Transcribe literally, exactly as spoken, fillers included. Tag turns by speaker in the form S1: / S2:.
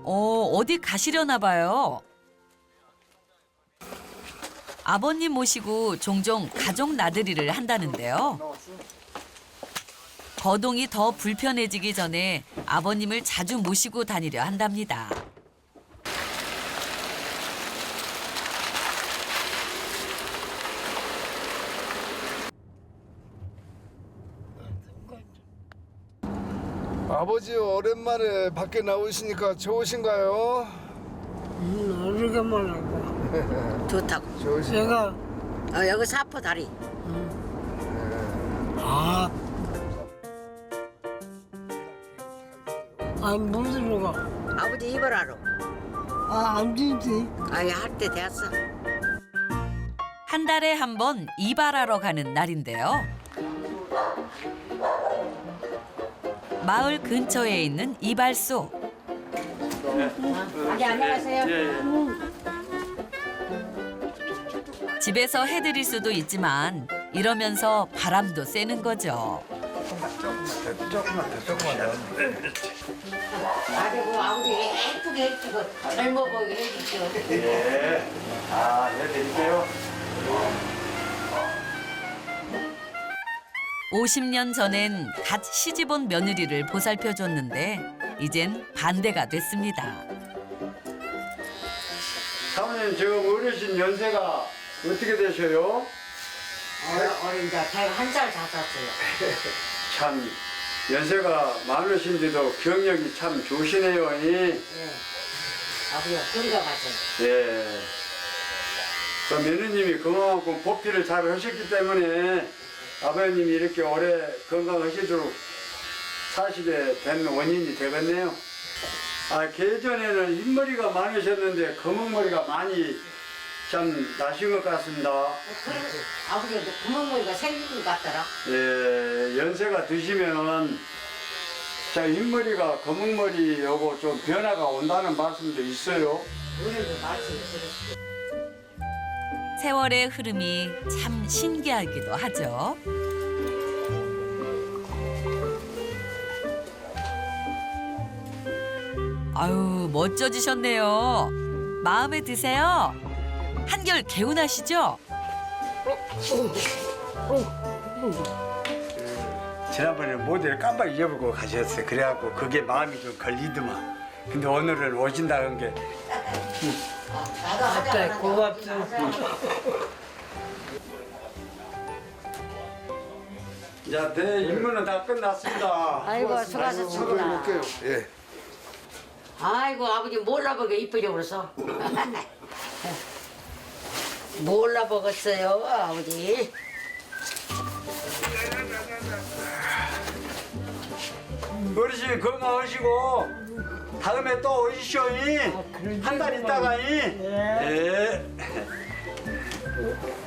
S1: 어, 어디 가시려나 봐요. 아버님 모시고 종종 가족 나들이를 한다는데요. 거동이 더 불편해지기 전에 아버님을 자주 모시고 다니려 한답니다.
S2: 아버지 오랜만에 밖에 나오시니까 좋으신가요?
S3: 음, 오르게만 하고.
S4: 좋다고.
S2: 좋으신가요?
S3: 제가,
S4: 어, 여기 사포 다리.
S3: 아. 안 물들어 가.
S4: 아버지 입으라로.
S3: 아, 안 되지.
S4: 아예 할 때 됐어.
S1: 한 달에 한 번 이발하러 가는 날인데요. 마을 근처에 있는 이발소.
S4: 아기 안녕하세요.
S1: 집에서 해드릴 수도 있지만 이러면서 바람도 쐬는 거죠.
S2: 조금만 더, 조금만 더.
S4: 아이고 아버지 예쁘게 해주고 젊어 보이게 해주죠.
S5: 예. 아, 해드릴게요.
S1: 오십 년 전엔 갓 시집온 며느리를 보살펴줬는데 이젠 반대가 됐습니다.
S5: 사모님 지금 어르신 연세가 어떻게 되셔요?
S4: 어린 자 제가 한 살 작았어요.
S5: 참 연세가 많으신데도 경력이 참 좋으시네요. 이.
S4: 예. 아버지가 그리가 가세요.
S5: 예. 그 며느님이 그만큼 보필을 잘 하셨기 때문에 아버님이 이렇게 오래 건강하시도록 사시게 된 원인이 되겠네요. 아, 예전에는 흰머리가 많으셨는데 검은머리가 많이 참 나신 것 같습니다.
S4: 그리고 아버지가 구멍머리가 생긴 것 같더라.
S5: 예, 연세가 드시면 자 흰머리가 검은머리 요거 좀 변화가 온다는 말씀도 있어요.
S4: 우리도 말씀 들었어요.
S1: 세월의 흐름이 참 신기하기도 하죠. 아유, 멋져지셨네요. 마음에 드세요? 한결 개운하시죠?
S5: 지난번에 모델 깜빡 잊어버리고 가셨어요. 그래갖고 그게 마음이 좀 걸리더만. 근데 오늘은 오신다는 게
S3: 갑자기 고맙죠.
S5: 자, 내 임무는 다 끝났습니다.
S4: 아이고 수고하셨습니다.
S2: 볼게요. 예.
S4: 아이고 아버지 몰라보게 이쁘게 그래서 몰라보겠어요 아버지.
S5: 어르신 건강하시고 다음에 또 오시오. 한 달 있다가. 이. 예.